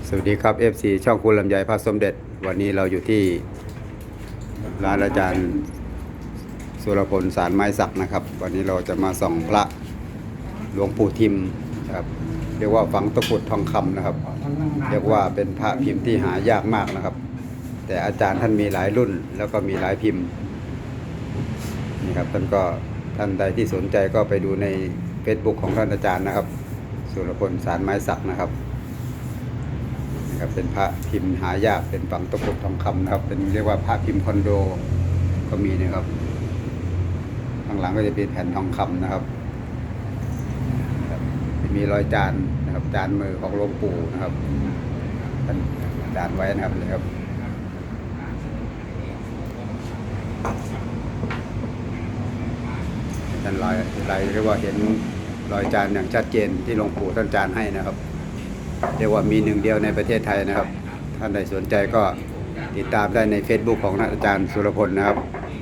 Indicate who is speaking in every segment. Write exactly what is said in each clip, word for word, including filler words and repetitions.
Speaker 1: สวัสดีครับ เอฟ ซี ช่องคุณลำไยพระสมเด็จวันนี้เราอยู่ที่ร้านอาจารย์สุรพลสารไม้สักนะครับวันนี้เราจะมาส่องพระหลวงปู่ทิมครับเรียกว่าฝังตะกรุดทองคำนะครับเรียกว่าเป็นพระพิมพ์ที่หายากมากนะครับแต่อาจารย์ท่านมีหลายรุ่นแล้วก็มีหลายพิมพ์นี่ครับท่านก็ท่านใดที่สนใจก็ไปดูใน Facebook ของท่านอาจารย์นะครับสุรพลสารไม้สักนะครับนะครับเป็นพระพิมพ์หายากเป็นฝังตะกรุดทองคำนะครับเป็นเรียกว่าพระพิมพ์คอนโดก็มีนะครับข้างหลังก็จะเป็นแผ่นทองคำนะครับจะมีรอยจานนะครับจานมือของหลวงปู่นะครับท่านจานไว้นะครับเลยครับท่านรอยรอยเรียกว่าเห็นรอยจานอย่างชัดเจนที่หลวงปู่ท่านจานให้นะครับเรียกว่ามีหนึ่งเดียวในประเทศไทยนะครับท่านใดสนใจก็ติดตามได้ใน Facebook ของอาจารย์สุรพลนะครับ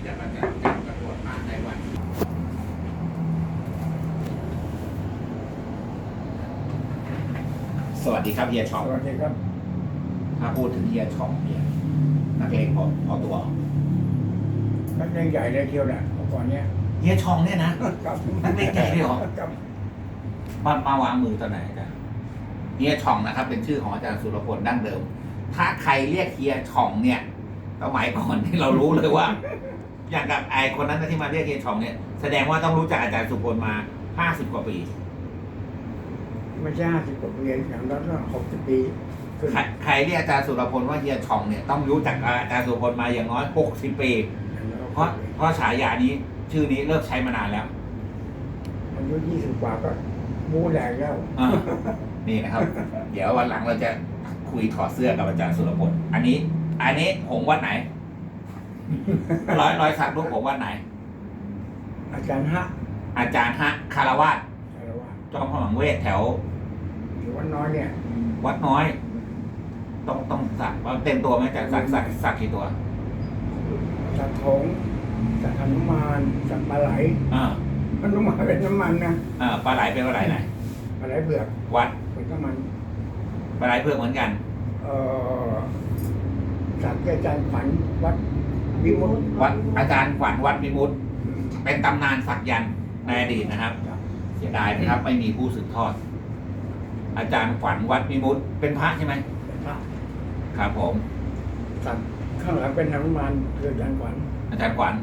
Speaker 2: สวัสดีครับเฮียช่อง
Speaker 3: สวัสดีครับ
Speaker 2: ถ้าพูดถึงเฮียช่องเนี่ยนักเลงพอพอตัว
Speaker 3: นักเลงใหญ่เลยเที่ยวน่ะเมื่อก่อนเนี้ย
Speaker 2: เฮียช่องเนี่ยนะครับ นักเลงใหญ่เลยเหรอ
Speaker 3: ครับ
Speaker 2: มามาวางมือตอนไหนกันเฮียช่องนะครับ เป็นชื่อของอาจารย์สุรพลดั้งเดิม ถ้าใครเรียกเฮียช่องเนี่ยสมัยก่อนที่เรารู้เลยว่า อย่างกับไอคนนั้นที่มาเรียกเฮียช่องเนี่ยแสดงว่าต้องรู้จักอาจารย์สุรพลมาห้าสิบกว่าปี
Speaker 3: ไม่ใช่ห้าสิบกว่าปีอย่างนั้นก็หกสิบปีขึ้น
Speaker 2: ใครใครเรียกอาจารย์สุรพลว่าเฮียช่องเนี่ยต้องรู้จักอาจารย์สุรพลมาอย่างน้อยหกสิบปีเพราะเพราะฉายานี้ชื่อนี้เลิกใช้มานานแล้ว
Speaker 3: อายุยี่สิบกว่าก็มูแหลกแล้ว
Speaker 2: อ่านี่นะครับ เดี๋ยววันหลังเราจะคุยถอดเสื้อกับอาจารย์สุรพลอันนี้ อันนี้ผมวัดไหน ร้อยร้อยสักรูปผมวัดไหน
Speaker 3: อาจารย์ฮะ
Speaker 2: อาจารย์ฮะคารวาส
Speaker 3: อะไรวะ
Speaker 2: จอมพลังเวทแถว
Speaker 3: หรือว่าน้อยเนี่ย
Speaker 2: วัดน้อย ต้องต้องสักเต็มตัวไหมอาจารย์สักสักสักกี่ตัว
Speaker 3: สักถงสักหนุมานสักปลาไหล
Speaker 2: อ่า
Speaker 3: หนุมานเป็นน้ำมันนะ
Speaker 2: อ่าปลาไหลเป็นปลาไหลไหน
Speaker 3: ปลาไหลเผือก
Speaker 2: วัด
Speaker 3: เป็นน้ำมัน
Speaker 2: ปลาไหลเพื่อกเหมือนกัน
Speaker 3: เอ่อสักอาจารย์ขวัญวัดวิมุตติ
Speaker 2: วัดอาจารย์ขวัญวัดมิมุตติเป็นตำนานสักยันต์ในอดีตนะครับ เสียดายนะครับ ไม่มีผู้สืบทอด อาจารย์ขวัญวัดมิมุตติเป็นพระใช่ไหม
Speaker 3: เป็นพระ
Speaker 2: ครับผม
Speaker 3: สักข้างหลังเป็นหนุมานคืออาจารย์ขวัญ
Speaker 2: อาจารย์ขวัญ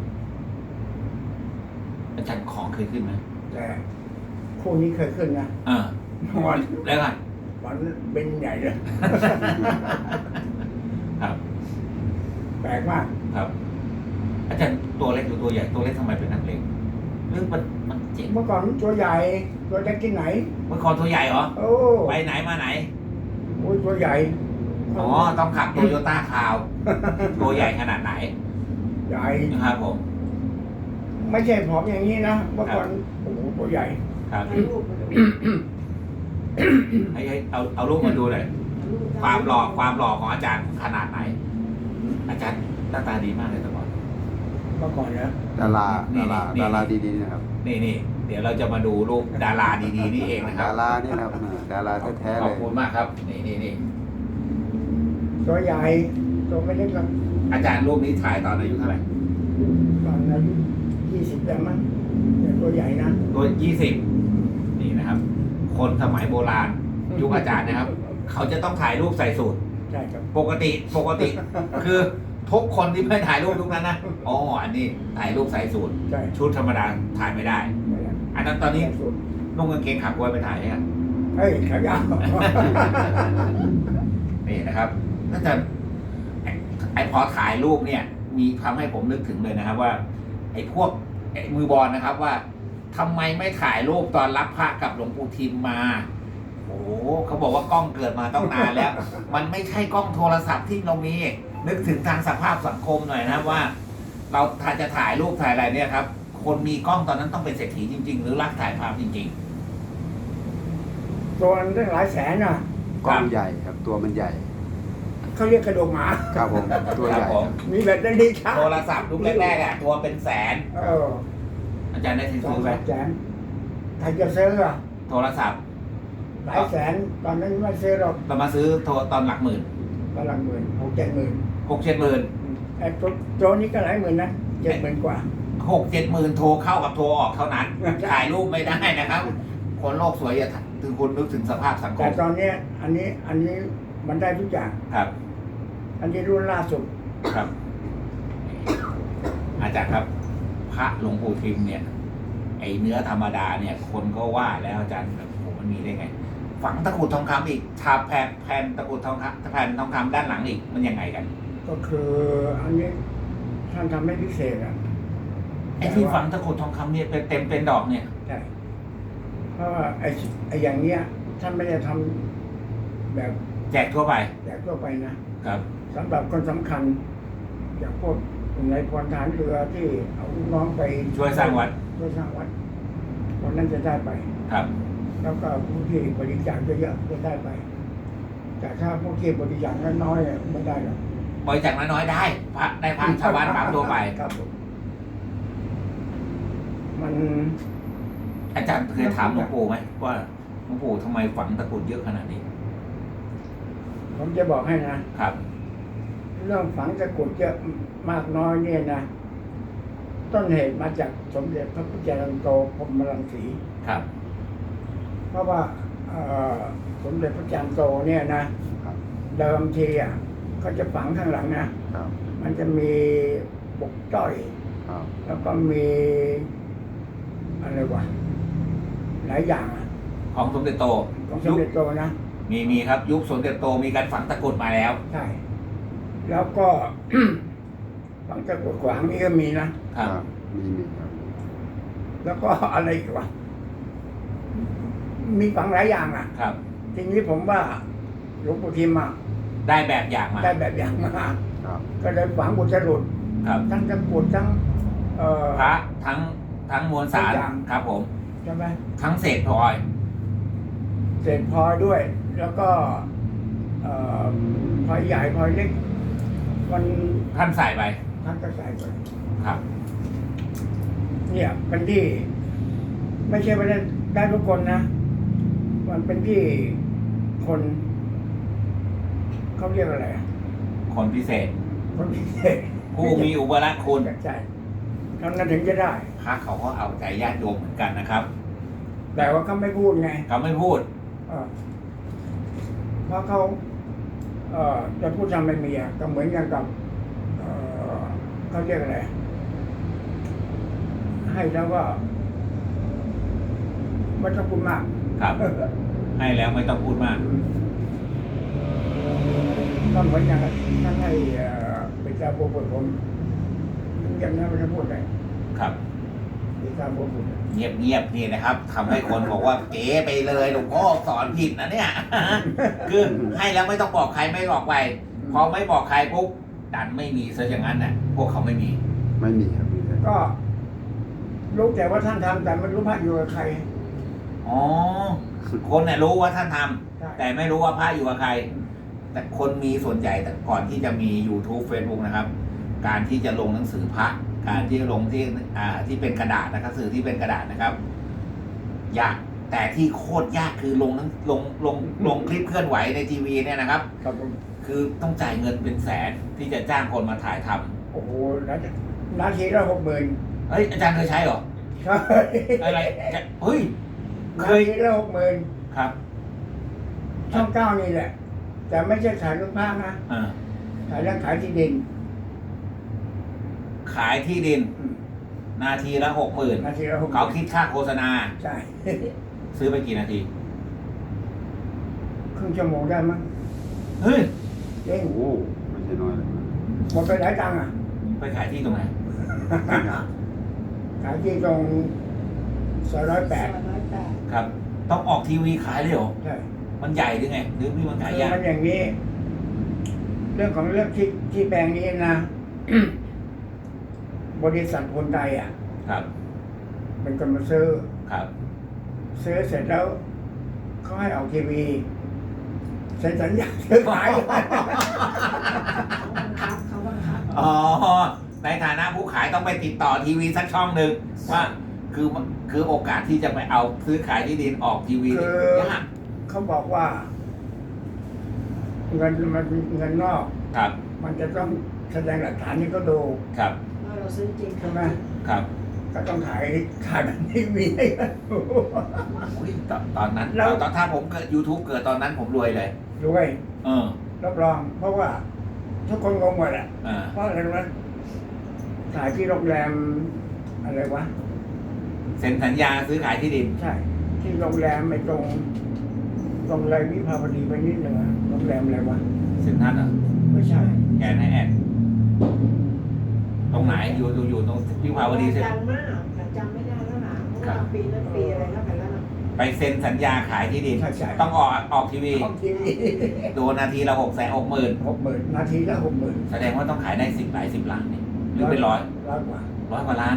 Speaker 2: อาจารย์ของเคยขึ้นไหม
Speaker 3: แต่คู่นี้เคยขึ้นนะ
Speaker 2: เออ
Speaker 3: วัน
Speaker 2: แล้วกัน
Speaker 3: วันเป็นใหญ่เลย
Speaker 2: ครับ
Speaker 3: แปลกมาก
Speaker 2: ครับ อาจารย์ตัวเล็กหรือตัวใหญ่ตัวเล็กทำไมเป็นนักเลงเรื่องมันมันเจ๋ง
Speaker 3: เมื่อก่อนตัวใหญ่ตัวเล็กที่ไหน
Speaker 2: เมื่อก่อนตัวใหญ่เหรอ
Speaker 3: โอ้
Speaker 2: ไปไหนมาไหน
Speaker 3: โอ้ยตัวใหญ่
Speaker 2: อ๋อต้องขับโตโยต้าคาวตัวใหญ่ขนาดไหน
Speaker 3: ใหญ่
Speaker 2: นะครับผม
Speaker 3: ไม่ใช่ผอมอย่างนี้นะเมื่อก่อนโอ้โหตัวใหญ่
Speaker 2: ครับให้ให้เอาเอารูปมาดูหน่อยความหล่อความหล่อของอาจารย์ขนาดไหน อาจารย์หน้าตาดีมากเลยแต่ก่อน
Speaker 3: เมื่อก่อนนะ
Speaker 1: ดารา
Speaker 2: นี่
Speaker 1: ดารา
Speaker 2: นี่
Speaker 1: ดาราดีๆนะครับ
Speaker 2: นี่นี่เดี๋ยวเราจะมาดูรูปดาราดีๆนี่เองนะครั
Speaker 1: ดา
Speaker 2: บ
Speaker 1: รานี่นะครับดาราแท้ๆ
Speaker 2: ข
Speaker 1: เล
Speaker 2: อบ
Speaker 1: ย
Speaker 2: คุณมากครับ นี่นี่นี่
Speaker 3: ตัวใหญ่ตัวไม่เล็กหรอก
Speaker 2: อาจารย์รูปนี้ถ่ายตอนอายุเท่าไหร่
Speaker 3: ตอนอายุยี่สิบแล้วมั้งแต่ตัวใหญ่นะ
Speaker 2: ตัวยี่สิบนี่นะครับ คนสมัยโบราณยุคอาจารย์นะครับ เขาจะต้องถ่ายรูปใส่สูท
Speaker 3: ใช่ครับ
Speaker 2: ปกติปกติ คือทุกคนที่ไม่ถ่ายรูปทุกนั้นนะอ๋ออันนี้ถ่ายรูปใส่สูท
Speaker 3: ใช่
Speaker 2: ชุดธรรมดาถ่ายไม่ได้ อันนั้นตอนนี้นุ่งกางเกงขาก๊วยไปถ่ายเนี่ย
Speaker 3: เฮ้ยขายาว
Speaker 2: นี่นะครับน่าจะไอ้ไอ้พอถ่ายรูปเนี่ย มีทำให้ผมนึกถึงเลยนะครับ ว่า ไอ้พวกไอ้มือบอลนะครับว่าทำไมไม่ถ่ายรูปตอนรับพระกับหลวงปู่ทิมมาโอ้โหเขาบอกว่ากล้องเกิดมาต้องนานแล้ว มันไม่ใช่กล้องโทรศัพท์ที่เรามี นึกถึงทางสภาพสังคมหน่อยนะครับว่า เราถ้าจะถ่ายรูปถ่ายอะไรเนี่ยครับ คนมีกล้องตอนนั้นต้องเป็นเศรษฐีจริง ๆ หรือรักถ่ายภาพจริง
Speaker 3: ตัวมันตั้งหลายแสนน่ะ
Speaker 1: กล้องใหญ่ครับตัวมันใหญ่
Speaker 3: เขาเรียกกระโดงหมา
Speaker 1: ครับผมตัว
Speaker 2: ๆ
Speaker 1: ให
Speaker 2: ครั
Speaker 1: ญ่
Speaker 2: บผม
Speaker 3: มีแบตเตอรี่ชาร์จ
Speaker 2: โทรศัพท์รุ่นแรกๆอ่ะตัวเป็นแสน
Speaker 3: เออ
Speaker 2: อาจารย์ได้ซื้
Speaker 3: สอง
Speaker 2: อไหม
Speaker 3: สามแสนใครจะซื้ออ่ะ
Speaker 2: โทรศัพท์
Speaker 3: แหลายแสนตอนนั้นไม่ซื้อหรอก
Speaker 2: เรามาซื้อโทรตอนหลักหมื่น
Speaker 3: ตอนหลังหมื่นหกเจ็ดหมื่น
Speaker 2: หกเจ็ดหมื่น
Speaker 3: ไอ้ตัวโจนี้ก็หลายหมื่นนะเจ็ดหมื่นกว่า
Speaker 2: หกเจ็ดหมื่นโทรเข้ากับโทรออกเท่านั้นถ่ายรูปไม่ได้นะครับ คนโลกสวยอย่าถึงคุณนึกถึงสภาพสังค
Speaker 3: แต่
Speaker 2: ม
Speaker 3: ตอนเนี้ยอันนี้อันนี้มันได้ทุกอย่าง
Speaker 2: ครับ
Speaker 3: อันนี้รุ่นล่าสุด
Speaker 2: ครับ อาจารย์ครับ พระหลวงปู่ทิมเนี่ย ไอเนื้อธรรมดาเนี่ย คนก็ว่าแล้วอาจารย์แบบผมมันมีได้ไง ฝังตะกรุดทองคำอีกทาแผ่นแผ่นตะกรุดทองคำแผ่นทองคำด้านหลังอีกมันยังไงกัน
Speaker 3: ก็คืออันนี้ท่านทำให้พิเศษอ่ะ
Speaker 2: ไอที่ฝังตะกรุดทองคำเนี่ยเป็นเต็มเป็นดอกเนี่ย
Speaker 3: ใช่เพราะว่าไอ้ไอ้อย่างเนี้ยท่านไม่ได้ทำแบบ
Speaker 2: แจกทั่วไป
Speaker 3: แจกทั่วไปนะครับสำหรับคนสำคัญอย่างพวกในพลฐานเรือที่เอาลูกน้องไป
Speaker 2: ช่วยสร้างวัด
Speaker 3: ช่วยสร้างวัดคนนั้นจะได้ไป
Speaker 2: ครับ
Speaker 3: แล้วก็ผู้ที่บริจาคเยอะๆจะได้ไป แต่ถ้าพวกที่บริจาคน้อยๆไม่ได้หรอก
Speaker 2: บริจาคน้อยๆได้พระได้พระชาวบ้านปั๊มทั่วไป
Speaker 3: ครับผมมัน
Speaker 2: อาจารย์เคยถามหลวงปู่ไหมว่าหลวงปู่ทำไมฝังตะกรุดเยอะขนาดนี้
Speaker 3: ผมจะบอกให้นะครับ เรื่องฝังตะกรุดเยอะมากน้อยเนี่ยนะต้นเหตุมาจากสมเด็จพระพุทธจารย์โตพรหมรังสี
Speaker 2: ครับ
Speaker 3: เพราะว่าเอ่อสมเด็จพระจารย์โตเนี่ยนะเดิมทีอ่ะเขาจะฝังข้างหลังนะครับ มันจะมีปกจ้อย
Speaker 1: ครับ
Speaker 3: แล้วก็มีอะไรวะหลายอย่างอะ
Speaker 2: ของสมเด็จโต
Speaker 3: ของส
Speaker 2: ยุ
Speaker 3: ม
Speaker 2: ค
Speaker 3: เด็จโตนะ
Speaker 2: มีมีครับ ยุคสมเด็จโตมีการฝังตะกรุดมาแล้ว
Speaker 3: ใช่แล้วก็ ฝังตะกรุดขวางนี่ก็มีนะครับ
Speaker 1: มีมีครับ
Speaker 3: แล้วก็อะไรอีกวะมีฝังหลายอย่างอ่ะ
Speaker 2: ครับ
Speaker 3: ทีนี้ผมว่าหลวงปู่ทิมอ่ะ
Speaker 2: ได้แบบอย่างมา
Speaker 3: ได้แบบอย่างมา
Speaker 1: ครับ
Speaker 3: ก็เลยฝังบุตรหลุด
Speaker 2: ครับ
Speaker 3: ทั้งตะกรุดทั้ง เอ่อ
Speaker 2: พระทั้งทั้งมวลสาร
Speaker 3: ทุกอย่าง
Speaker 2: ครับผม
Speaker 3: ใช่ไหม
Speaker 2: ทั้งเศษพลอย
Speaker 3: เศษพลอยด้วย แล้วก็ เอ่อพลอยใหญ่พลอยเล็กมัน
Speaker 2: ท่านใส่ไป
Speaker 3: ท่านก็ใส่ไป
Speaker 2: ครับ
Speaker 3: เนี่ยเป็นที่ ไม่ใช่ว่าได้ได้ทุกคนนะ มันเป็นที่คนเขาเรียกอะไรอะ
Speaker 2: คนพิเศษ
Speaker 3: คนพิเศษ
Speaker 2: ผู้มีอุปการะคุณ
Speaker 3: ใช่เท่านั้นถึงจะได้
Speaker 2: พระเขาก็เอาใจญาติโยมเหมือนกันนะครับ
Speaker 3: แต่ว่าเขาไม่พูดไง
Speaker 2: เขาไม่พูด
Speaker 3: เออเพราะเขา เอ่อจะพูดทำไม่มีอ่ะก็เหมือนกันกับ เอ่อเขาเรียกอะไร ให้แล้วก็ไม่ต้องพูดมาก
Speaker 2: ครับ ให้แล้วไม่ต้องพูดมาก
Speaker 3: ก็เหมือนอย่างท่านให้เอ่อเป็นเจ้าโบบุตรผมอย่างนั้นไม่ต้องพูดเลย
Speaker 2: ครับ
Speaker 3: เป็นเจ้าโบบุตร
Speaker 2: เงียบเงียบๆนี่นะครับทำให้คนบอกว่าเก๋ไปเลยหลวงพ่อสอนผิดนะเนี่ย คือให้แล้วไม่ต้องบอกใครไม่บอกไปพอไม่บอกใครปุ๊บดันไม่มีซะอย่างนั้นน่ะ พวกเขาไม่มี
Speaker 1: ไม่มีครับมีครับ
Speaker 3: ก็รู้แต่ว่าท่านทำแต่ไม่รู้พระอยู่กับใคร
Speaker 2: อ๋อคนเนี่ยรู้ว่าท่านทำ
Speaker 3: ใช่
Speaker 2: แต่ไม่รู้ว่าพระอยู่กับใคร แต่คนมีส่วนใหญ่แต่ก่อนที่จะมี YouTube Facebook นะครับ การที่จะลงหนังสือพระ การที่ลงที่อ่าที่เป็นกระดาษนะครับสื่อที่เป็นกระดาษนะครับ ยากแต่ที่โคตรยากคือลงหนังลงลงลงคลิปเคลื่อนไหวในทีวีเนี่ยนะครับ
Speaker 3: ครับผม
Speaker 2: คือต้องจ่ายเงินเป็นแสนที่จะจ้างคนมาถ่ายทำ
Speaker 3: โอ้โหนาทีนาทีละหกหมื่น
Speaker 2: เฮ้ยอาจารย์เคยใช้เหรอ
Speaker 3: ใช่
Speaker 2: อะไรจะเฮ้ย เค
Speaker 3: นาย ทีละหกหมื่น
Speaker 2: ครับ
Speaker 3: ช่องเก้านี่แหละ แต่ไม่ใช่ขายลูกพระนะ
Speaker 2: อ่า
Speaker 3: ขายเรื่องขายที่ดิน
Speaker 2: ขายที่ดิน
Speaker 3: อืม
Speaker 2: นาทีละหกหมื่น
Speaker 3: นาทีละหก
Speaker 2: เขาคิดค่าโฆษณา
Speaker 3: ใช่
Speaker 2: ซื้อไปกี่นาที
Speaker 3: ครึ่งชั่วโมงได้มั้ง
Speaker 2: เฮ้ย
Speaker 3: เอง
Speaker 1: โอ้ไม่ใช่น้อยเลยนะ
Speaker 3: หมดไปหลายตังค์อ่ะ
Speaker 2: ไปขายที่ตรงไหน
Speaker 3: ขายที่ตรงซอยร้อยแปด
Speaker 2: ครับ ต้องออกทีวีขายเลยเหรอ
Speaker 3: ใช่
Speaker 2: มันใหญ่หรือไง หรือพี่มันขาย
Speaker 3: คือย
Speaker 2: าก
Speaker 3: มันอย่างนี้ เรื่องของเรื่องที่ที่แปลงนี้นะ บริษัทคนใดอ่ะ
Speaker 2: ครับ
Speaker 3: เป็นคนมาซื้อ
Speaker 2: ครับ
Speaker 3: ซื้อเสร็จแล้วเขาให้ออกทีวีเซ็นสัญญาซื้อขาย
Speaker 2: อ๋อ ในฐานะผู้ขายต้องไปติดต่อทีวีสักช่องหนึ่งว่า คือคือโอกาสที่จะไปเอาซื้อขายที่ดินออกทีวี
Speaker 3: คือ
Speaker 2: ยาก
Speaker 3: เขาบอกว่า เงินมันเงินนอก
Speaker 2: ครับ
Speaker 3: มันจะต้องแสดงหลักฐานนี้ก็ดู
Speaker 2: ครับ
Speaker 4: ว่าเราซื้อจริง
Speaker 3: ใช่ไหม
Speaker 2: ครับ
Speaker 3: ก็ต้องถ่ายถ่ายแบบทีวีให้กันดู
Speaker 2: อุ๊ยตอนตอนนั้น
Speaker 3: แล้ว
Speaker 2: ตอนถ้าผมเกิด YouTube เกิดตอนนั้นผมรวยเลย
Speaker 3: ด้วย
Speaker 2: เออ
Speaker 3: รับรอง เพราะว่า ทุกคนงงหมดอ่ะ
Speaker 2: อ่า
Speaker 3: เพราะอะไรรู้ไหมถ่ายที่โรงแรมอะไรวะ
Speaker 2: เซ็นสัญญาซื้อขายที่ดิน
Speaker 3: ใช่ ที่โรงแรมไอ้ตรงตรงเลยวิภาวดีไปนิดหนึ่งอะโรงแรมอะไรวะ
Speaker 2: เซ็นทรัลเหรอ
Speaker 3: ไม่ใช่
Speaker 2: แอนให้แอนตรงไหนอยู่อยู่อยู่ตรงวิภาวดีเซ็น
Speaker 4: ดังมากแต่จำไม่ได้แล้วนะเพราะว่าปีนั้นปีอะไรแล้วกันแล้วนะ
Speaker 2: ไปเซ็นสัญญาขายที่ดิน
Speaker 3: ใช่ใช่
Speaker 2: ต้องออกออกทีวี
Speaker 3: ของทีวี
Speaker 2: โดนนาทีละหกแสนหกหมื่น
Speaker 3: หกหมื่นนาทีละหกหมื่น
Speaker 2: แสดงว่าต้องขายได้สิบหลายสิบล้านนี่หรือเป็นร้อย
Speaker 3: ร้อยกว่า
Speaker 2: ร้อยกว่าล้าน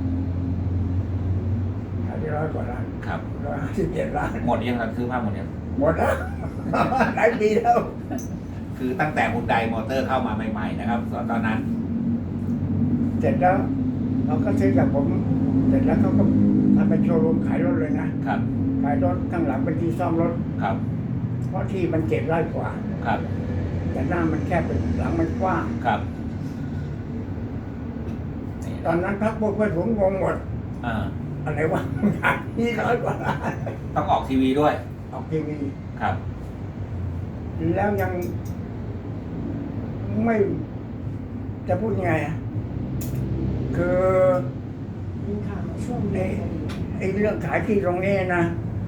Speaker 3: ขายได้ร้อยกว่าล้าน
Speaker 2: ครับ
Speaker 3: ร้อยห้าสิบเจ็ดล้าน
Speaker 2: หมดยังครับซื้อภาพหมดยัง
Speaker 3: หมดแล้ว หลายปีแล้ว
Speaker 2: คือตั้งแต่ฮุนไดมอเตอร์เข้ามาใหม่ๆนะครับตอนนั้น
Speaker 3: เสร็จแล้วเขาก็ซื้อกับผม เสร็จแล้วเขาก็ทำเป็นโชว์รูมขายรถเลยนะครับ ขายรถข้างหลังเป็นที่ซ่อมรถ
Speaker 2: ครับ
Speaker 3: เพราะที่มันเจ็ดไร่กว่า
Speaker 2: ครับ
Speaker 3: แต่หน้ามันแคบเป็นหลังมันกว้าง
Speaker 2: ครับ
Speaker 3: ตอนนั้นพักพวกเพื่อนผมงงหมด
Speaker 2: อ่า
Speaker 3: อะไรวะขายที่ร้อยกว่าล้าน
Speaker 2: ต้องออกทีวีด้วย
Speaker 3: ออกทีวี
Speaker 2: ครับ
Speaker 3: แล้วยังไม่จะพูดยังไงอ่ะ คือ
Speaker 4: มีข่าวช่วงนี้
Speaker 3: ไอ้เรื่องขายที่ตรงนี้นะ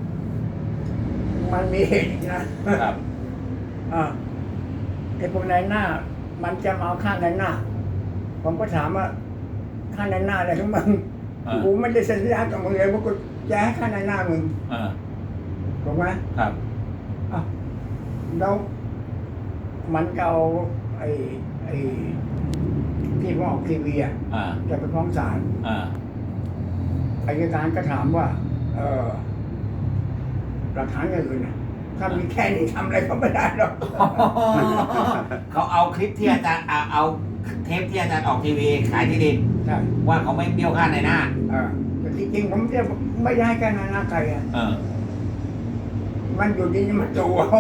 Speaker 3: มันมีเหตุนะครับ อ่าไอ้พวกนายหน้า มันจะมาเอาค่านายหน้า ผมก็ถามว่าค่านายหน้าอะไรของมึง
Speaker 2: อ่า
Speaker 3: กูไม่ได้สัญญากับมึงเลยว่ากูจะให้ค่านายหน้ามึง
Speaker 2: อ่า
Speaker 3: ถูกไหม
Speaker 2: ครับ
Speaker 3: อ่ะแล้วมันก็เอาไอ้ไอ้ที่ผมออกทีวีอ่ะ
Speaker 2: อ่า
Speaker 3: จะไปฟ้องศาล
Speaker 2: อ่า
Speaker 3: อัยการก็ถามว่า เออหลักฐานอย่างอื่นน่ะถ้ามีแค่นี้ทำอะไรก็ไม่ได้หรอก
Speaker 2: เขาเอาคลิปที่อาจารย์เอาเอาเทปที่อาจารย์ออกทีวีขายที่ดิน
Speaker 3: ใช่
Speaker 2: ว่าเขาไม่เบี้ยวค่าในหน้า
Speaker 3: เออแต่จริงๆผมจะไม่ได้ให้แค่นั้นนะใครอ่ะ
Speaker 2: เออ
Speaker 3: มันอยู่ดีๆมันจูเอา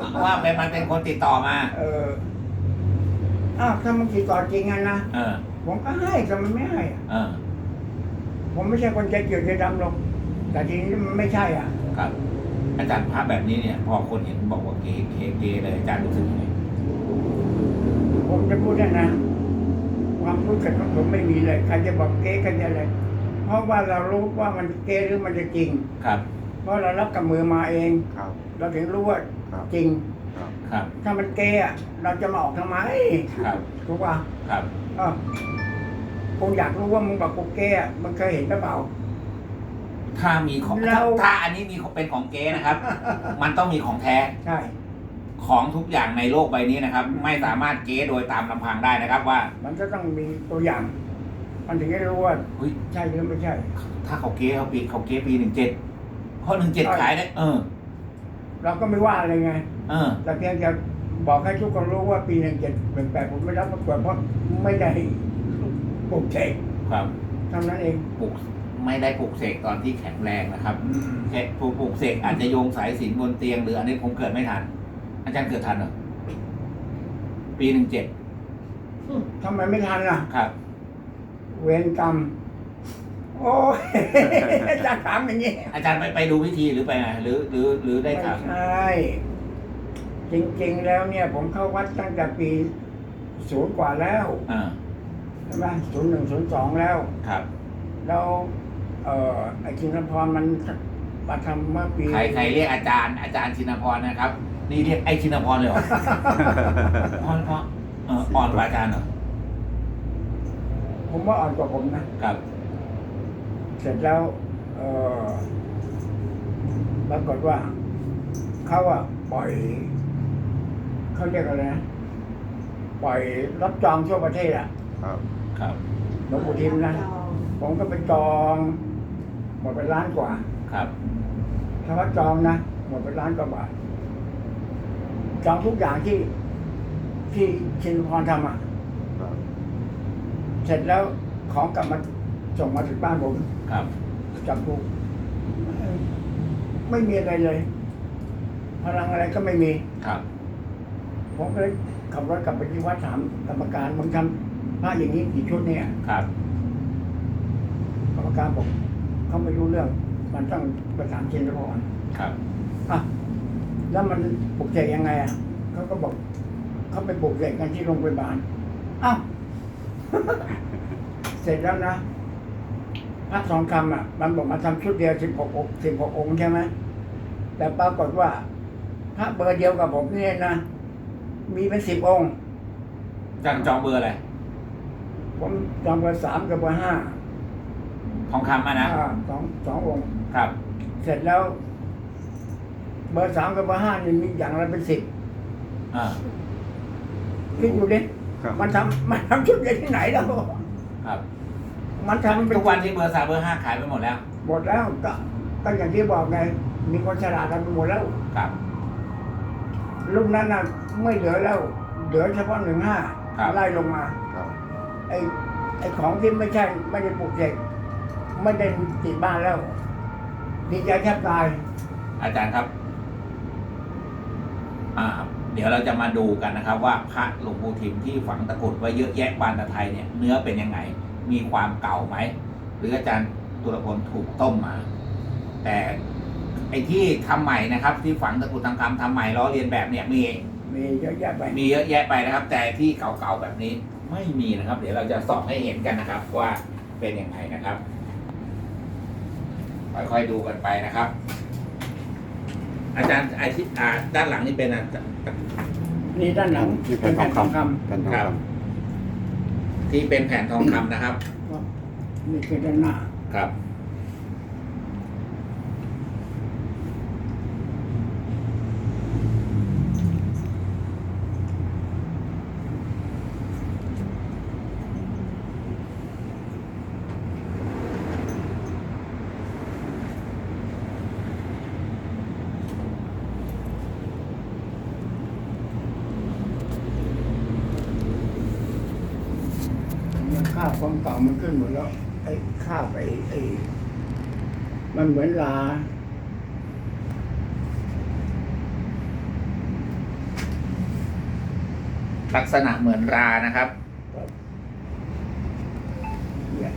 Speaker 2: ว่าเป็นมันเป็นคนติดต่อมา
Speaker 3: เอออ้าวถ้ามันติดต่อจริงอ่ะนะ
Speaker 2: เออ
Speaker 3: ผมก็ให้แต่มันไม่ให้อ่ะ
Speaker 2: เออ
Speaker 3: ผมไม่ใช่คนใจเกลียดใจดำหรอกแต่ทีนี้มันไม่ใช่อ่ะ
Speaker 2: ครับ อาจารย์ภาพแบบนี้เนี่ย พอคนเห็นบอกว่าเก๋เก๋เก๋เลยอาจารย์รู้สึกยังไง
Speaker 3: ผมจะพูดได้นะ ความรู้สึกของผมไม่มีเลยใครจะบอกเก๊ใครจะอะไรเพราะว่าเรารู้ว่ามันเก๊หรือมันจะจริง
Speaker 2: ครับ
Speaker 3: เพราะเรารับกับมือมาเอง
Speaker 1: ครับ
Speaker 3: เราถึงรู้ว่า
Speaker 1: ครับ
Speaker 3: จริง
Speaker 1: ครับ
Speaker 2: ครับ
Speaker 3: ถ้ามันเก๊อะเราจะมาออกทำไม
Speaker 2: ครับ
Speaker 3: ถูกป่ะ
Speaker 2: ครับ
Speaker 3: เออกูอยากรู้ว่ามึงบอกกูเก๊อะมึงเคยเห็นหรือเปล่า
Speaker 2: ถ้ามีของ
Speaker 3: เรา
Speaker 2: ถ้าอันนี้มีเป็นของเก๊นะครับ มันต้องมีของแท้
Speaker 3: ใช่
Speaker 2: ของทุกอย่างในโลกใบนี้นะครับ ไม่สามารถเก๊โดยตามลำพังได้นะครับ ว่า
Speaker 3: มันก็ต้องมีตัวอย่าง มันถึงจะรู้ว่า
Speaker 2: เฮ้ย
Speaker 3: ใช่หรือไม่ใช่
Speaker 2: ถ้าเขาเก๊เขาปีเขาเก๊ปีหนึ่งเจ็ดเพราะหนึ่งเจ็ด
Speaker 3: ใช่
Speaker 2: ขายได้ เออ
Speaker 3: เราก็ไม่ว่าอะไรไง
Speaker 2: เออ
Speaker 3: แต่เพียงจะบอกให้ทุกคนรู้ว่าปีหนึ่งเจ็ดหนึ่งแปดผมไม่รับประกวดเพราะไม่ได้ปลุกเสก
Speaker 2: ครับ
Speaker 3: เท่านั้นเอง
Speaker 2: ปลุกไม่ได้ปลุกเสกตอนที่แข็งแรงนะครับแค่ปลุกปลุกเสกอาจจะโยงสายสิญจนบนเตียงหรืออันนี้ผมเกิดไม่ทัน อาจารย์เกิดทันเหรอปีหนึ่งเจ็ด
Speaker 3: ทำไมไม่ทันล่ะ
Speaker 2: ครับ
Speaker 3: เวรกรรม โอ้ย จะถามอย่างนี้
Speaker 2: อาจารย์ไปไปดูพิธีหรือไปไงหรือหรือหรือได้
Speaker 3: ไม่
Speaker 2: ถาม
Speaker 3: ใช่ จริงๆแล้วเนี่ย ผมเข้าวัดตั้งแต่ปีศูนย์กว่าแล้ว
Speaker 2: อ่า
Speaker 3: ใช่ไหมศูนย์หนึ่งศูนย์สองแล้ว
Speaker 2: ครับ
Speaker 3: แล้ว เอ่อไอ้ชินพรมันมาทำเมื่อปี
Speaker 2: ใครใครเรียกอาจารย์อาจารย์ชินพรนะครับ นี่เรียกไอ้ชินพรเลยเหรอ อ่อนเพราะเอออ่อนกว่าอาจารย์เหรอ
Speaker 3: ผมว่าอ่อนกว่าผมนะ
Speaker 2: ครับ
Speaker 3: เสร็จแล้ว เออปรากฏว่าเขาอะปล่อย เขาเรียกอะไรนะ ปล่อยรับจองทั่วประเทศอะ
Speaker 1: ครับ
Speaker 2: ครับ
Speaker 3: หลวงปู่ทิมนะ ผมก็ไปจอง หมดไปล้านกว่า
Speaker 2: ครับ
Speaker 3: ถ้าว่าจองนะ หมดไปล้านกว่าบาท จองทุกอย่างที่ที่ชินพรทำอะ
Speaker 1: ครับ
Speaker 3: เสร็จแล้วของกลับมาส่งมาถึงบ้านผม
Speaker 2: ครับ
Speaker 3: จับกูไม่มีอะไรเลย พพลังอะไรก็ไม่มี
Speaker 2: ครับ
Speaker 3: ผมก็เลยขับรถกลับไปที่วัดถามกรรมการมึงทำพระอย่างนี้กี่ชุดเนี่ย
Speaker 2: ครับ
Speaker 3: กรรมการบอกเขาไม่รู้เรื่อง มันต้องประสานเชิญก่อน
Speaker 2: ครับ
Speaker 3: อ่ะแล้วมันปลุกเสกยังไงอ่ะเขาก็บอกเขาไปปลุกเสกกันที่โรงพยาบาลอ้าว เสร็จแล้วนะพระสองคำอ่ะ มันบอกมาทำชุดเดียวสิบหกองค์สิบหกองค์ใช่ไหมแต่ปรากฏว่า พระเบอร์เดียวกับผมเนี่ยนะมีเป็นสิบองค์
Speaker 2: จันจองเบอร์อะไร
Speaker 3: ผมจองเบอร์สามกับเบอร์ห้า
Speaker 2: ทองคำอ่ะนะ
Speaker 3: อ่าสองสององค์
Speaker 2: ครับ
Speaker 3: เสร็จแล้ว เบอร์สามกับเบอร์ห้านี่มีอย่างละเป็นสิบ
Speaker 2: อ่า
Speaker 3: คิดดูดิ
Speaker 1: ครับ
Speaker 3: มันทำมันทำชุดเดียวที่ไหนแล้ว
Speaker 2: ครับ
Speaker 3: มันทำเป็น
Speaker 2: ทุกวันที่เบอร์สามเบอร์ห้าขายไปหมดแล้ว
Speaker 3: หมดแล้วก็ก็อย่างที่บอกไง มีคนฉลาดกันไปหมดแล้ว
Speaker 2: ครับ
Speaker 3: รุ่นนั้นน่ะไม่เหลือแล้ว เหลือเฉพาะหนึ่งห้า
Speaker 2: ครับ
Speaker 3: ไล่ลงมา
Speaker 1: ครับ
Speaker 3: ไอ้ไอ้ของที่ไม่ใช่ ไม่ได้ปลูกเสกไม่ได้ติดบ้านแล้ว ดีใจแทบตาย
Speaker 2: อาจารย์ครับ อ่า เดี๋ยวเราจะมาดูกันนะครับ ว่าพระหลวงปู่ทิมที่ฝังตะกรุดไว้เยอะแยะบานตะไทยเนี่ย เนื้อเป็นยังไง มีความเก่าไหม หรืออาจารย์ตุลพลถูกต้มมา แต่ไอ้ที่ทำใหม่นะครับ ที่ฝังตะกรุดทางคำทำใหม่ล้อเลียนแบบเนี่ยมี
Speaker 3: มีเยอะแยะไป
Speaker 2: มีเยอะแยะไปนะครับ แต่ที่เก่าๆแบบนี้ไม่มีนะครับ เดี๋ยวเราจะส่องให้เห็นกันนะครับ ว่าเป็นยังไงนะครับ ค่อยๆดูกันไปนะครับ อาจารย์ไอที่อ่าด้านหลังนี่เป็นอาจารย์
Speaker 3: นี่ด้านหลัง
Speaker 1: นี่
Speaker 3: เป็
Speaker 1: แผ่
Speaker 3: น
Speaker 1: นท
Speaker 3: แผ่
Speaker 1: อน ง
Speaker 3: ทอง
Speaker 1: คำ
Speaker 3: ค
Speaker 1: แผ่นทอง
Speaker 2: ครับ
Speaker 1: ค
Speaker 2: ที่เป็นแผ่นทองคำนะครับ
Speaker 3: ำนี่คือด้านหน้า
Speaker 2: ครับ
Speaker 3: เนี่ยค่าความเก่ามันขึ้นหมดแล้ว ไอ้ค่าไปไอ้มันเหมือนลา
Speaker 2: ลักษณะเหมือนรานะครับ
Speaker 3: เนี่ย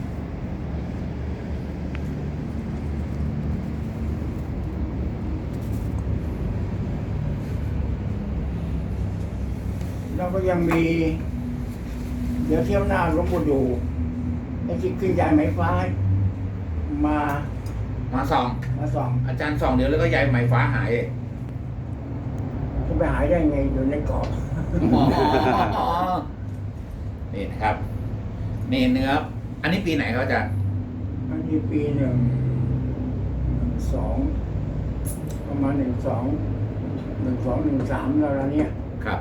Speaker 3: แล้วก็ยังมี เดี๋ยวเที่ยวหน้าหลวงปู่ดูไอ้ที่ขึ้นยายไหมฟ้ามา
Speaker 2: มาส่อง
Speaker 3: มาส่อง
Speaker 2: อาจารย์ส่องเดี๋ยวแล้วก็ยายไหมฟ้าหายเอง
Speaker 3: จะไปหายได้ไงอยู่ในกรอบ
Speaker 2: อ๋อนี่นะครับ นี่เนื้อ อันนี้ปีไหนครับอาจารย์
Speaker 3: อันนี้ปีหนึ่งหนึ่งสองประมาณหนึ่งสองหนึ่งสองหนึ่งสามแล้วละเนี่ย
Speaker 2: ครับ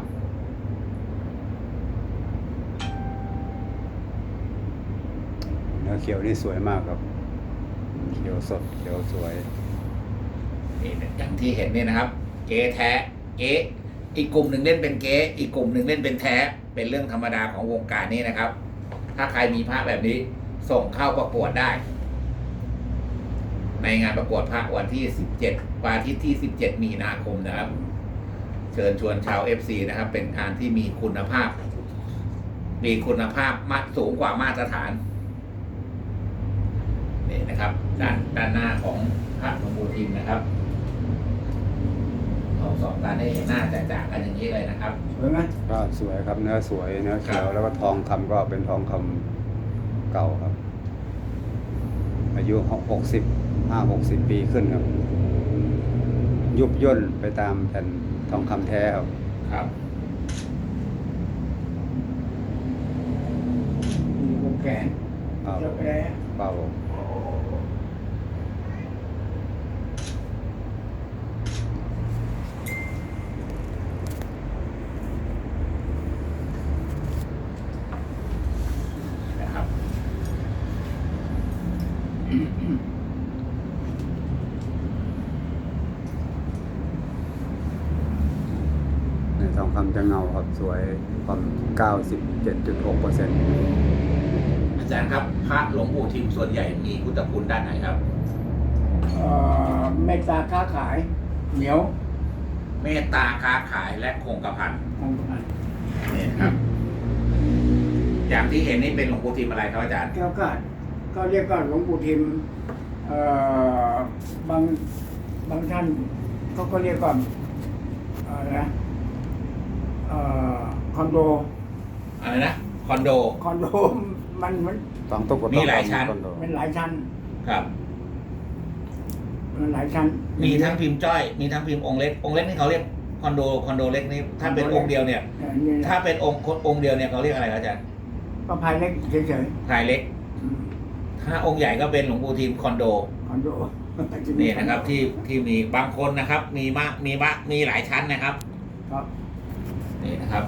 Speaker 1: ำเนื้อเขียวนี่สวยมากครับ เขียวสดเขียวสวย
Speaker 2: นี่อย่างที่เห็นนี่นะครับ เก๊แท้ เก๊อีกกลุ่มหนึ่งเล่นเป็นเก๊อีกกลุ่มหนึ่งเล่นเป็นแท้ เป็นเรื่องธรรมดาของวงการนี้นะครับ ถ้าใครมีพระแบบนี้ส่งเข้าประกวดได้ ในงานประกวดพระวันที่สิบเจ็ดวันอาทิตย์ที่สิบเจ็ดมีนาคมนะครับ เชิญชวนชาว เอฟ ซี นะครับ เป็นงานที่มีคุณภาพ มีคุณภาพมาสูงกว่ามาตรฐานนี่นะครับ ด้านด้านหน้าของพระหลวงปู่ทิมนะครับเอาสองด้านให้เห็นหน้าจ่าๆกันอย่างนี้เลยนะครับ
Speaker 3: สวยไหม
Speaker 1: ก็สวยครับเนื้อสวยเนื้อเขียว
Speaker 2: ครับ
Speaker 1: แล้วก็ทองคำก็เป็นทองคำเก่าครับ อายุหกสิบห้าหกสิบปีขึ้นครับ ยุบย่นไปตามแผ่นทองคำแท้ครับ
Speaker 2: ครับ
Speaker 3: มีวงแขน
Speaker 1: ครับ
Speaker 3: เจ้าแผล
Speaker 1: เปล่า
Speaker 2: นะครับ
Speaker 1: ในทองคำจะเงาครับสวยความเก้าสิบเจ็ดจุดหกเปอร์เซ็นต์
Speaker 2: อาจารย์ครับ พระหลวงปู่ทิมส่วนใหญ่มีพุทธคุณด้านไหนครับ
Speaker 3: เอ่อเมตตาค้าขาย เหนียว
Speaker 2: เมตตาค้าขายและคงกระพัน
Speaker 3: ของอัน
Speaker 2: นี่ครับ อย่างที่เห็นนี่เป็นหลวงปู่ทิมอะไรครับอาจารย์
Speaker 3: แก้วกาดก็เรียกว่าหลวงปู่ทิมเอ่อบางบางท่านเขาก็เรียกว่าอะไรนะเอ่อคอนโด
Speaker 2: อะไรนะคอนโด
Speaker 3: คอนโดมันมัน
Speaker 1: ต้องตุก
Speaker 2: มีหลายชั้น
Speaker 3: มันหลายชั้น
Speaker 2: ครับ
Speaker 3: มันหลายชั้น
Speaker 2: มีทั้งพิมพ์จ้อย มีทั้งพิมพ์องค์เล็ก องค์เล็กนี่เขาเรียกคอนโด คอนโดเล็กนี่ถ้าเป็นองค์เดียวเนี่ย
Speaker 3: เออนี่นะ
Speaker 2: ถ้าเป็นองค์องค์เดียวเนี่ยเขาเรียกอะไรครับอาจารย์
Speaker 3: ก็ภายเล็กเฉย
Speaker 2: ทายเล็ก
Speaker 3: ๆอืม
Speaker 2: ถ้าองค์ใหญ่ก็เป็นหลวงปู่ทิมคอนโด
Speaker 3: คอนโด
Speaker 2: นี่นะครับที่ที่มีบางคนนะครับ มีมากมีมากมีหลายชั้นนะครับ
Speaker 3: ครับ
Speaker 2: นี่นะครับ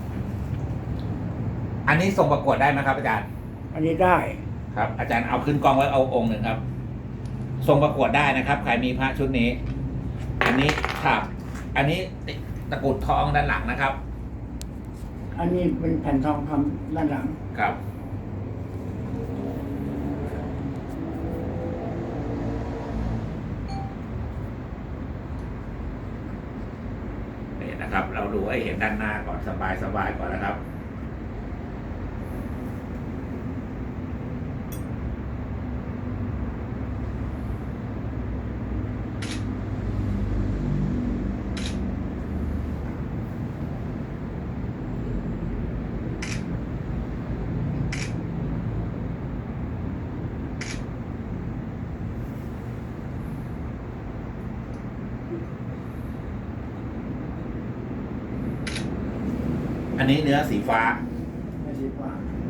Speaker 2: อันนี้ส่งประกวดได้ไหมครับ อาจารย์
Speaker 3: อันนี้ได้
Speaker 2: ครับ อาจารย์เอาขึ้นกองไว้เอาองค์หนึ่งครับส่งประกวดได้นะครับใครมีพระชุดนี้ อันนี้ครับ อันนี้ตะกรุดทองด้านหลังนะครับ
Speaker 3: อันนี้เป็นแผ่นทองคำด้านหลัง
Speaker 2: ครับนี่นะครับ เราดูให้เห็นด้านหน้าก่อนสบายสบายก่อนนะครับ อันนี้เนื้อสีฟ้า
Speaker 3: ไม่ใช่ว่า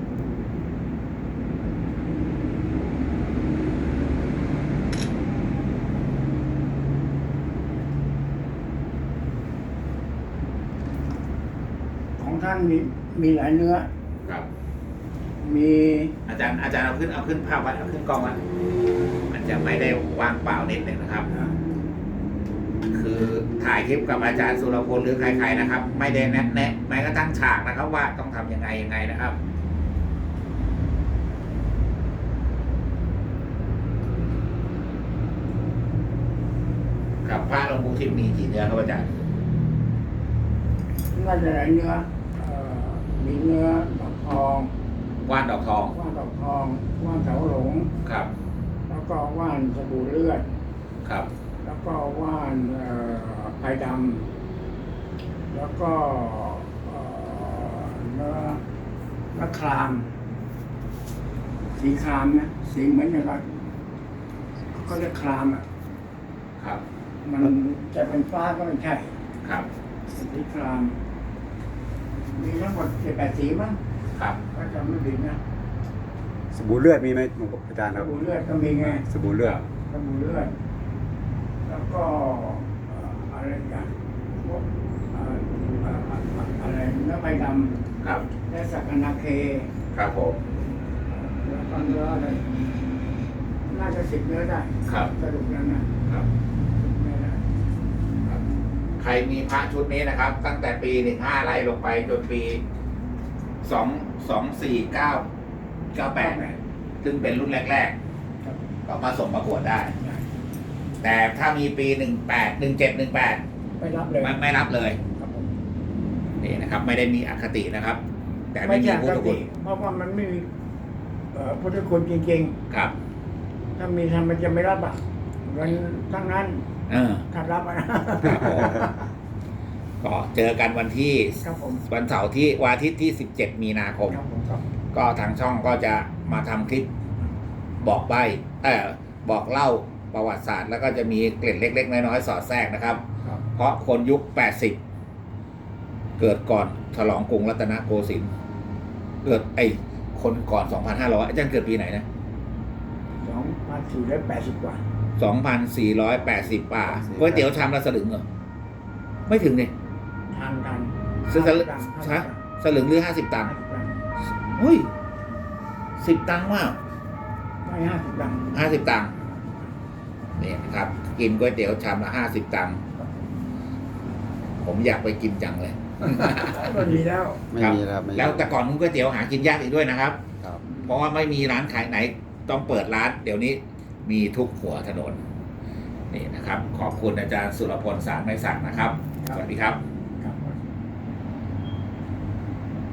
Speaker 3: ของท่านมีมีหลายเนื้อ
Speaker 2: ครับ
Speaker 3: มี
Speaker 2: อาจารย์อาจารย์เอาขึ้นเอาขึ้นภาพไว้เอาขึ้นกล้องไว้มันจะไม่ได้ว่างเปล่านิดหนึ่งนะครับ คือถ่ายคลิปกับอาจารย์สุรพลหรือใครๆนะครับ ไม่ได้แนะแนะแม้กระทั่งฉากนะครับ ว่าต้องทำยังไงยังไงนะครับ ครับพระหลวงปู่ทิมมีกี่เนื้อครับอาจารย์
Speaker 3: น่าจะหลายเนื้อเอ่อมีเนื้อดอกทอง
Speaker 2: ว่านดอกทอง
Speaker 3: ว่านดอกทองว่านเสาหลง
Speaker 2: ครับ
Speaker 3: แล้วก็ว่านสบู่เลือด
Speaker 2: ครับ
Speaker 3: แล้วก็ว่านเอ่อไผ่ดำแล้วก็เอ่อเนื้อเนื้อคราม สีครามนะสีเหมือนอย่างกับเขาเรียกครามอ่ะ
Speaker 2: ครับ
Speaker 3: มันจะเป็นฟ้าก็ไม่ใช่
Speaker 2: ครับ
Speaker 3: สีคราม มีทั้งหมดเจ็ดแปดสีมั้ง
Speaker 2: ครับ
Speaker 3: ก็จะไม่ผิดนะ
Speaker 1: สบู่เลือดมีไหมอาจารย์
Speaker 3: ส
Speaker 1: ครับ
Speaker 3: บู่เลือดก็มีไง
Speaker 1: สบู่เลือด
Speaker 3: สบู่เลือด แล้วก็เอ่ออะไรอย่างพวกเอ่อเอ่ออะไรเนื้อใบด
Speaker 2: ครับ
Speaker 3: ำและสักนาเค
Speaker 2: ครับผม
Speaker 3: แล้วก็เนื้ออะไรน่าจะสิบเนื้อได้
Speaker 2: ครับ
Speaker 3: สรุปแล้วนะครับ สิบเนื้อได้
Speaker 2: ครับใครมีพระชุดนี้นะครับ ตั้งแต่ปีหนึ่งห้าไล่ลงไปจนปีสองสองสี่เก้าเก้าแปดซึ่งเป็นรุ่นแรก
Speaker 3: ครับ
Speaker 2: ๆ ก็มาส่งประกวดได้ แต่ถ้ามีปีหนึ่งแปดหนึ่งเจ็ดหนึ่งแปด
Speaker 3: ไม่รับเลย
Speaker 2: ไม่ไม่รับเลย
Speaker 3: ครับผม
Speaker 2: นี่นะครับ ไม่ได้มีอคตินะครับ แต่
Speaker 3: ไม่
Speaker 2: ไม่มี
Speaker 3: ใช่
Speaker 2: พุท
Speaker 3: ค
Speaker 2: ธ
Speaker 3: ติ
Speaker 2: คุณ
Speaker 3: เพราะว่ามันไม่มีเอ่อพุทธคุณจริง
Speaker 2: ครับ
Speaker 3: ๆ ถ้ามีทำมันจะไม่รับอ่ะเงินทั้งนั้น
Speaker 2: เออ
Speaker 3: ถ้ารับอ่ะนะ
Speaker 2: ครับผมก็เจอกันวันที่
Speaker 3: ครับผม
Speaker 2: วันเสาร์ที่วันอาทิตย์ที่สิบเจ็ดมีนาคม
Speaker 3: ครับผมครับ
Speaker 2: ก็ทางช่องก็จะมาทำคลิปบอกใบเออบอกเล่าประวัติศาสตร์ แล้วก็จะมีเกล็ดเล็ก ๆ น้อยๆสอดแทรกนะครับ
Speaker 3: ครับ
Speaker 2: เพราะคนยุคแปดสิบเกิดก่อนฉลองกรุงรัตนโกสินทร์เกิดไอ้คนก่อนสองพันห้าร้อยอาจารย์เกิดปีไหนนะ
Speaker 3: สองพันสี่ร้อยแปดสิบกว่า
Speaker 2: สองพันสี่ร้อยแปดสิบป่าก๋วยเตี๋ยวชามละสลึงเหรอไม่ถึงเนี่ย
Speaker 3: ทานกัน
Speaker 2: สลึงฮะสลึงหรือห้าสิบตังค์เฮ้ยสิบตังค์มาก
Speaker 3: ไม่ห้าสิบตังค์
Speaker 2: ห้าสิบตังค์นี่นะครับ กินก๋วยเตี๋ยวชามละห้าสิบตังค์ผมอยากไปกินจังเลย
Speaker 3: ก็ดีแล้ว
Speaker 1: ไม่มีแล้วครับไม่มี
Speaker 2: แล้วแต่ก่อนนู้นก๋วยเตี๋ยวหากินยากอีกด้วยนะครับ
Speaker 1: ครับ
Speaker 2: เพราะว่าไม่มีร้านขายไหนต้องเปิดร้าน เดี๋ยวนี้มีทุกหัวถนนนี่นะครับ ขอบคุณอาจารย์สุรพลสารไม้สักนะครับสวัสดีครับ